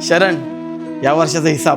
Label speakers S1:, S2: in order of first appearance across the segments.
S1: शरण, या वर्षाचा हिसाब.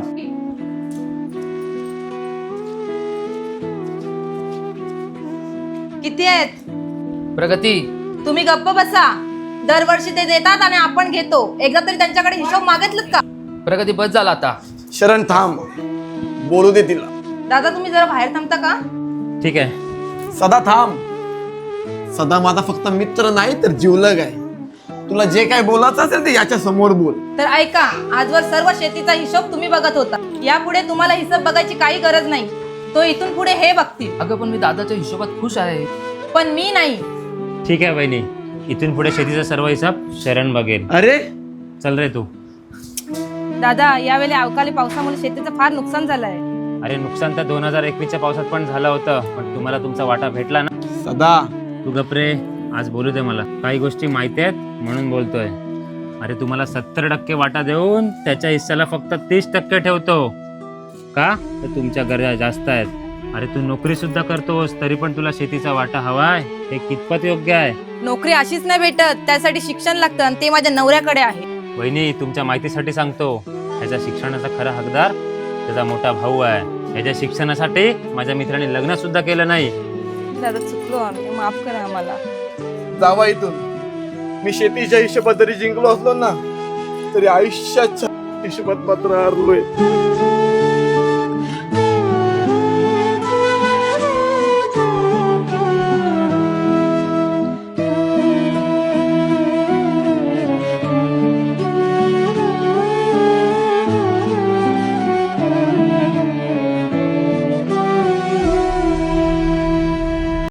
S2: किती आहेत?
S3: प्रगती,
S2: तुम्ही गप्प बसा. दरवर्षी ते देतात आणि आपण घेतो. एकदा तरी त्यांच्याकडे हिशोब मागितलं का?
S3: प्रगती बस झाला आता.
S1: शरण थांब, बोलू दे तिला.
S2: दादा तुम्ही जरा बाहेर थांबता का?
S3: ठीक आहे.
S1: सदा थांब. सदा माझा फक्त मित्र नाही तर जीवलग आहे. तुला जे काय बोलायचं असेल ते याच्या समोर बोल.
S2: तर ऐका, आजवर सर्व शेतीचा हिशोब तुम्ही बघत होता. यापुढे तुम्हाला हिशोब बघायची काही गरज नाही. तो इथून पुढे हे बघतील.
S3: अगं पण मी दादाच्या हिशोबात खुश आहे.
S2: पण मी नाही.
S4: ठीक आहे बहिणी, इथून पुढे शेतीचा सर्व हिसाब शरण बघेल.
S1: अरे
S4: चल रे तू.
S2: दादा, यावेळी अवकाळी पावसामुळे शेतीचं फार नुकसान झालंय.
S4: अरे नुकसान तर 2021च्या पावसात पण झालं होतं, पण तुम्हाला तुमचा वाटा भेटला ना.
S1: सदा,
S4: तू गप्रे, आज बोलू दे मला. काही गोष्टी माहिती आहेत म्हणून बोलतोय. अरे तुम्हाला 70% वाटा देऊन त्याच्या हिस्साला फक्त 30% ठेवतो का? तर तुमच्या गरजा जास्त आहेत. अरे तू नोकरी सुद्धा करतोस तरी पण तुला शेतीचा वाटा हवाय, हे कितपत योग्य आहे?
S2: नोकरी अशीच नाही भेटत, त्यासाठी शिक्षण लागतं आणि ते माझ्या नवऱ्याकडे आहे.
S4: वहिनी, तुमच्या माहितीसाठी सांगतो, ह्याच्या शिक्षणाचा खरा हकदार त्याचा मोठा भाऊ आहे. ह्याच्या शिक्षणासाठी माझ्या मित्राने लग्न सुद्धा केलं नाही.
S2: दादा चुकलो आम्ही, माफ करा आम्हाला.
S1: जावा इथून. मी शेतीच्या हिशोबात जरी जिंकलो असलो ना तरी आयुष्याच्या हिशोबात मात्र हरलोय.